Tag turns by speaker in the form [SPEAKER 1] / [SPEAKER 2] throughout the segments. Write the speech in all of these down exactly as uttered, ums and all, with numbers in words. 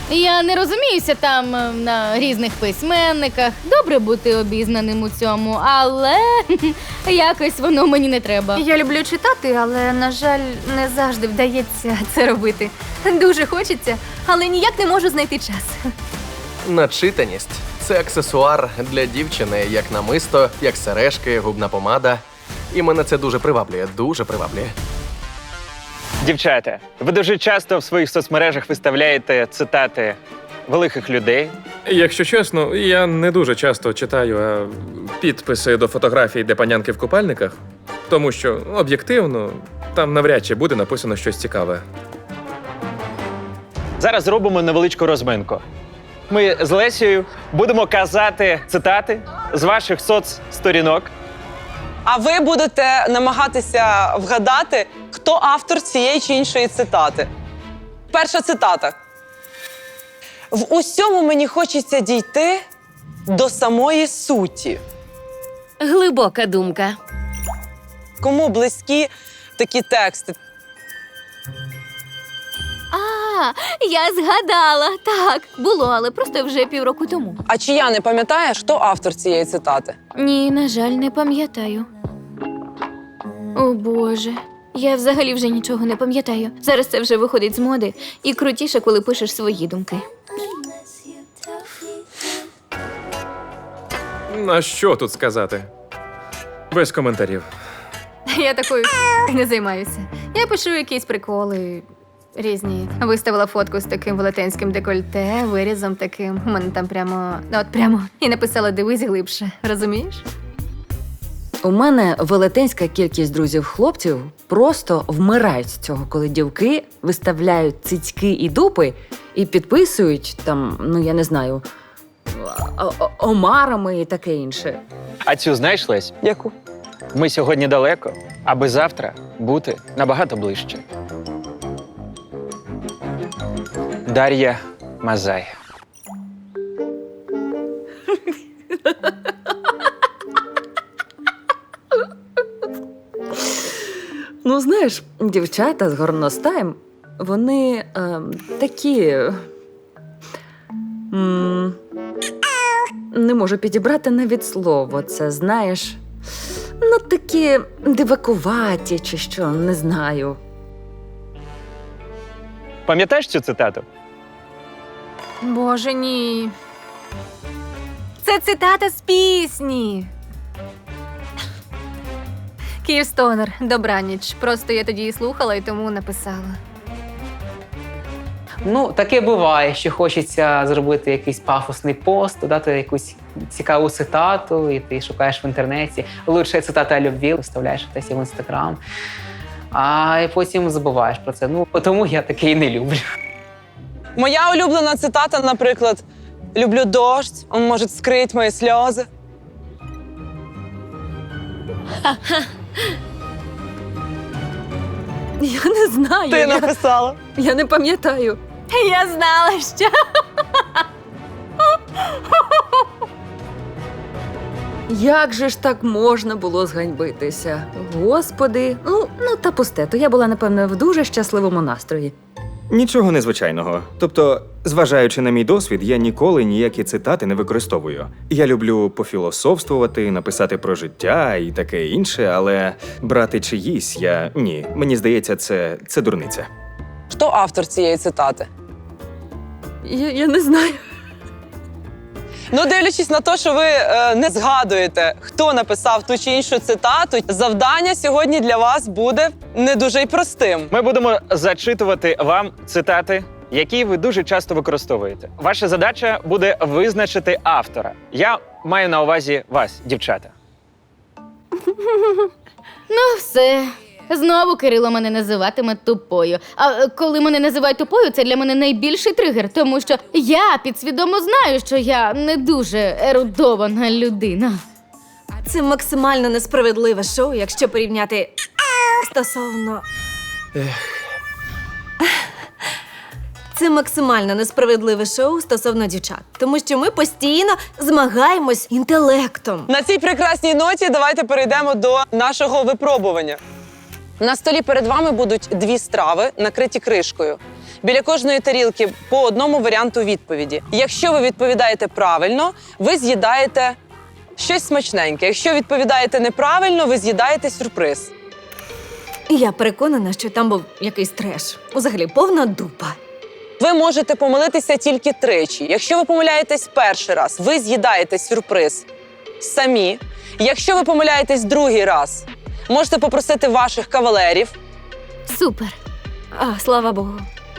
[SPEAKER 1] Я не розуміюся там е, на різних письменниках. Добре бути обізнаним у цьому, але якось воно мені не треба.
[SPEAKER 2] Я люблю читати, але, на жаль, не завжди вдається це робити. Дуже хочеться, але ніяк не можу знайти час.
[SPEAKER 3] Начитаність – це аксесуар для дівчини, як намисто, як сережки, губна помада. І мене це дуже приваблює, дуже приваблює.
[SPEAKER 4] Дівчата, ви дуже часто в своїх соцмережах виставляєте цитати великих людей.
[SPEAKER 5] Якщо чесно, я не дуже часто читаю а, підписи до фотографій, де панянки в купальниках, тому що, об'єктивно, там навряд чи буде написано щось цікаве.
[SPEAKER 4] Зараз зробимо невеличку розминку. Ми з Лесією будемо казати цитати з ваших соцсторінок.
[SPEAKER 6] А ви будете намагатися вгадати, хто автор цієї чи іншої цитати. Перша цитата. В усьому мені хочеться дійти до самої суті.
[SPEAKER 7] Глибока думка.
[SPEAKER 6] Кому близькі такі тексти?
[SPEAKER 2] А, я згадала. Так, було, але просто вже півроку тому.
[SPEAKER 6] А чия не пам'ятаєш, хто автор цієї цитати?
[SPEAKER 2] Ні, на жаль, не пам'ятаю. О, Боже. Я взагалі вже нічого не пам'ятаю. Зараз це вже виходить з моди. І крутіше, коли пишеш свої думки.
[SPEAKER 5] На що тут сказати? Без коментарів.
[SPEAKER 2] Я такою не займаюся. Я пишу якісь приколи різні. Виставила фотку з таким велетенським декольте, вирізом таким. У мене там прямо, от прямо. І написала «Дивись глибше». Розумієш?
[SPEAKER 7] У мене велетенська кількість друзів-хлопців просто вмирають з цього, коли дівки виставляють цицьки і дупи і підписують там, ну я не знаю, о- о- омарами і таке інше.
[SPEAKER 4] А цю знаєш, Лесь?
[SPEAKER 6] Яку?
[SPEAKER 4] Ми сьогодні далеко, аби завтра бути набагато ближче. Дар'я Мазай.
[SPEAKER 7] Ну, знаєш, дівчата з горностаєм, вони е, такі. М, не можу підібрати навіть слово. Це, знаєш, ну такі дивакуваті чи що, не знаю.
[SPEAKER 4] Пам'ятаєш цю цитату?
[SPEAKER 2] Боже, ні. Це цитата з пісні. Київстонер, добраніч. Просто я тоді її слухала і тому написала.
[SPEAKER 8] Ну, таке буває, що хочеться зробити якийсь пафосний пост, додати якусь цікаву цитату, і ти шукаєш в інтернеті. Лучше цитата любві, вставляєш десь в інстаграм, а потім забуваєш про це. Ну, тому я таке і не люблю.
[SPEAKER 6] Моя улюблена цитата, наприклад, «Люблю дождь, он может скрыть мої сльози».
[SPEAKER 7] Я не знаю.
[SPEAKER 6] Ти
[SPEAKER 7] я,
[SPEAKER 6] написала.
[SPEAKER 7] я не пам'ятаю.
[SPEAKER 2] Я знала, що.
[SPEAKER 7] Як же ж так можна було зганьбитися? Господи, ну, ну та пусте, то я була, напевно, в дуже щасливому настрої.
[SPEAKER 9] Нічого незвичайного. Тобто, зважаючи на мій досвід, я ніколи ніякі цитати не використовую. Я люблю пофілософствувати, написати про життя і таке інше, але брати чиїсь я ні. Мені здається, це, це дурниця.
[SPEAKER 6] Хто автор цієї цитати?
[SPEAKER 7] Я, я не знаю.
[SPEAKER 6] Ну, дивлячись на те, що ви е, не згадуєте, хто написав ту чи іншу цитату, завдання сьогодні для вас буде не дуже й простим.
[SPEAKER 4] Ми будемо зачитувати вам цитати, які ви дуже часто використовуєте. Ваша задача буде визначити автора. Я маю на увазі вас, дівчата.
[SPEAKER 1] Ну, все. Знову Кирило мене називатиме тупою. А е, коли мене називають тупою, це для мене найбільший тригер, тому що я підсвідомо знаю, що я не дуже ерудована людина.
[SPEAKER 10] Це максимально несправедливе шоу, якщо порівняти стосовно. Це максимально несправедливе шоу стосовно дівчат, тому що ми постійно змагаємось інтелектом.
[SPEAKER 6] На цій прекрасній ноті давайте перейдемо до нашого випробування. На столі перед вами будуть дві страви, накриті кришкою. Біля кожної тарілки по одному варіанту відповіді. Якщо ви відповідаєте правильно, ви з'їдаєте щось смачненьке. Якщо відповідаєте неправильно, ви з'їдаєте сюрприз.
[SPEAKER 10] Я переконана, що там був якийсь треш. Взагалі, повна дупа.
[SPEAKER 6] Ви можете помилитися тільки тричі. Якщо ви помиляєтесь перший раз, ви з'їдаєте сюрприз самі. Якщо ви помиляєтесь другий раз, можете попросити ваших кавалерів.
[SPEAKER 1] Супер.
[SPEAKER 10] А, слава Богу.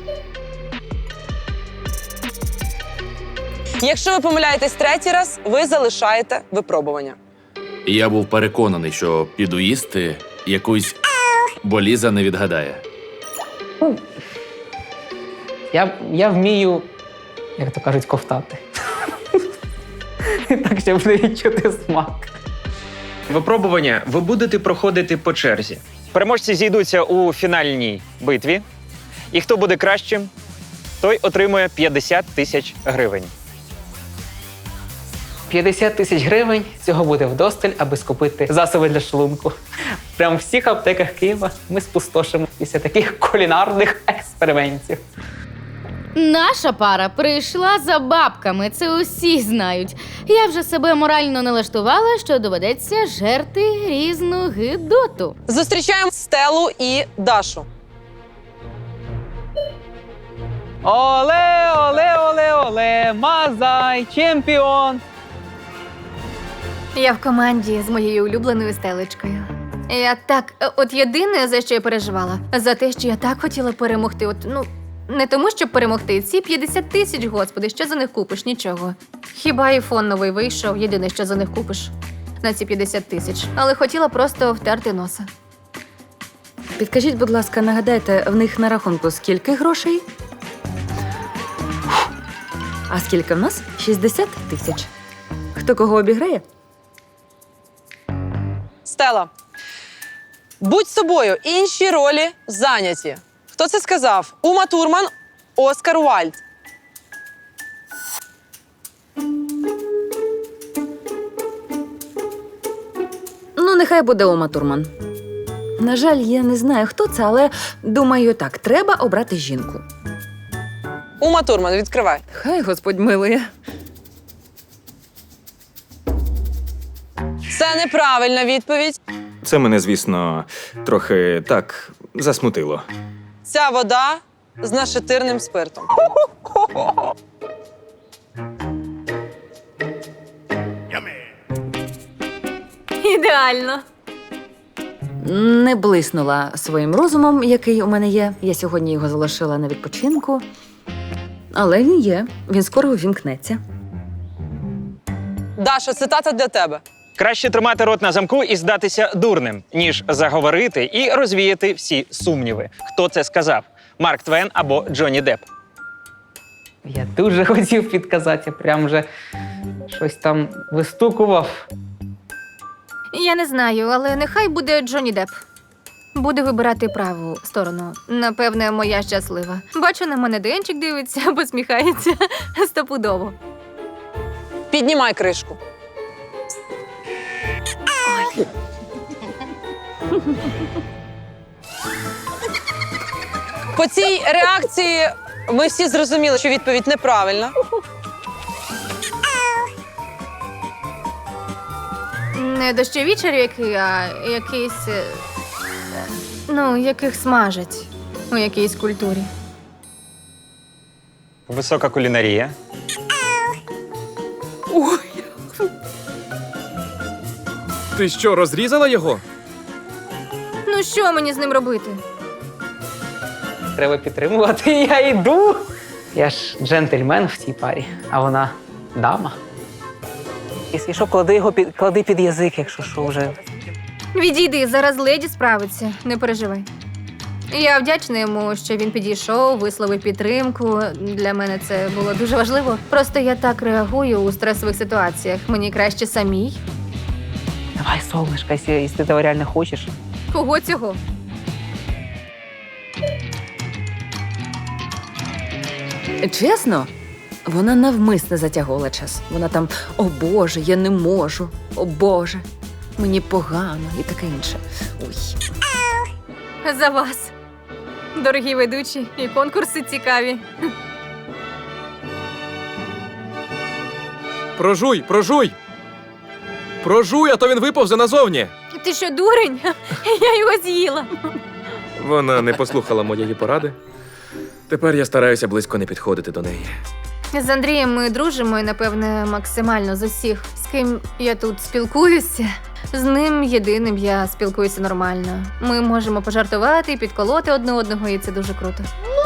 [SPEAKER 6] Якщо ви помиляєтесь третій раз, ви залишаєте випробування.
[SPEAKER 11] Я був переконаний, що піду їсти якусь, бо Ліза не відгадає.
[SPEAKER 8] Я, я вмію, як то кажуть, ковтати. Так, щоб не відчути смак.
[SPEAKER 4] Випробування ви будете проходити по черзі. Переможці зійдуться у фінальній битві, і хто буде кращим, той отримує п'ятдесят тисяч гривень.
[SPEAKER 8] п'ятдесят тисяч гривень цього буде вдосталь, аби скупити засоби для шлунку. Прямо в всіх аптеках Києва ми спустошимо після таких кулінарних експериментів.
[SPEAKER 1] Наша пара прийшла за бабками, це усі знають. Я вже себе морально налаштувала, що доведеться жерти різну гидоту.
[SPEAKER 6] Зустрічаємо Стелу і Дашу.
[SPEAKER 8] Оле, оле, оле, оле, Мазай, чемпіон!
[SPEAKER 2] Я в команді з моєю улюбленою Стелечкою. Я так, от єдине, за що я переживала, за те, що я так хотіла перемогти. От, ну, не тому, щоб перемогти. Ці п'ятдесят тисяч, господи, що за них купиш? Нічого. Хіба айфон новий вийшов, єдине, що за них купиш на ці п'ятдесят тисяч. Але хотіла просто втерти носа.
[SPEAKER 7] Підкажіть, будь ласка, нагадайте, в них на рахунку скільки грошей? А скільки в нас? шістдесят тисяч. Хто кого обіграє?
[SPEAKER 6] Стела. Будь собою, інші ролі зайняті. Хто це сказав? Ума Турман, Оскар Уальд.
[SPEAKER 7] Ну, нехай буде Ума Турман. На жаль, я не знаю, хто це, але думаю так, треба обрати жінку.
[SPEAKER 6] Ума Турман, відкривай.
[SPEAKER 7] Хай Господь милує.
[SPEAKER 6] Це неправильна відповідь.
[SPEAKER 9] Це мене, звісно, трохи так засмутило.
[SPEAKER 6] Ця вода з нашатирним спиртом.
[SPEAKER 2] Ідеально.
[SPEAKER 7] Не блиснула своїм розумом, який у мене є. Я сьогодні його залишила на відпочинку. Але він є. Він скоро увімкнеться.
[SPEAKER 6] Даша, цитата для тебе.
[SPEAKER 4] Краще тримати рот на замку і здатися дурним, ніж заговорити і розвіяти всі сумніви. Хто це сказав? Марк Твен або Джонні Депп?
[SPEAKER 8] Я дуже хотів підказати, я прям вже щось там вистукував.
[SPEAKER 2] Я не знаю, але нехай буде Джонні Депп. Буде вибирати праву сторону. Напевне, моя щаслива. Бачу, на мене Денчик дивиться, посміхається. Стопудово.
[SPEAKER 6] Піднімай кришку. По цій реакції ми всі зрозуміли, що відповідь неправильна.
[SPEAKER 2] Не дощові черв'яки, а якийсь. е, Ну, яких смажать у якійсь культурі.
[SPEAKER 4] Висока кулінарія.
[SPEAKER 5] Ти що, розрізала його?
[SPEAKER 2] Ну, що мені з ним робити?
[SPEAKER 8] Треба підтримувати, я йду. Я ж джентльмен в цій парі, а вона дама. Якщо що, клади його під, клади під язик, якщо що вже.
[SPEAKER 2] Відійди, зараз леді справиться, не переживай. Я вдячна йому, що він підійшов, висловив підтримку. Для мене це було дуже важливо. Просто я так реагую у стресових ситуаціях. Мені краще самій.
[SPEAKER 8] Давай, солнышко, якщо, якщо ти того реально хочеш.
[SPEAKER 2] Кого цього?
[SPEAKER 7] Чесно, вона навмисне затягувала час. Вона там, о Боже, я не можу, о Боже, мені погано і таке інше. Ой.
[SPEAKER 2] За вас. дорогі ведучі, і конкурси цікаві.
[SPEAKER 5] Прожуй, прожуй! Прожуй, а то він виповзе назовні.
[SPEAKER 2] Ти що, дурень? Я його з'їла.
[SPEAKER 5] Вона не послухала моєї поради. Тепер я стараюся близько не підходити до неї.
[SPEAKER 2] З Андрієм ми дружимо і, напевне, максимально з усіх, з ким я тут спілкуюся. З ним єдиним я спілкуюся нормально. Ми можемо пожартувати, підколоти одне одного, і це дуже круто.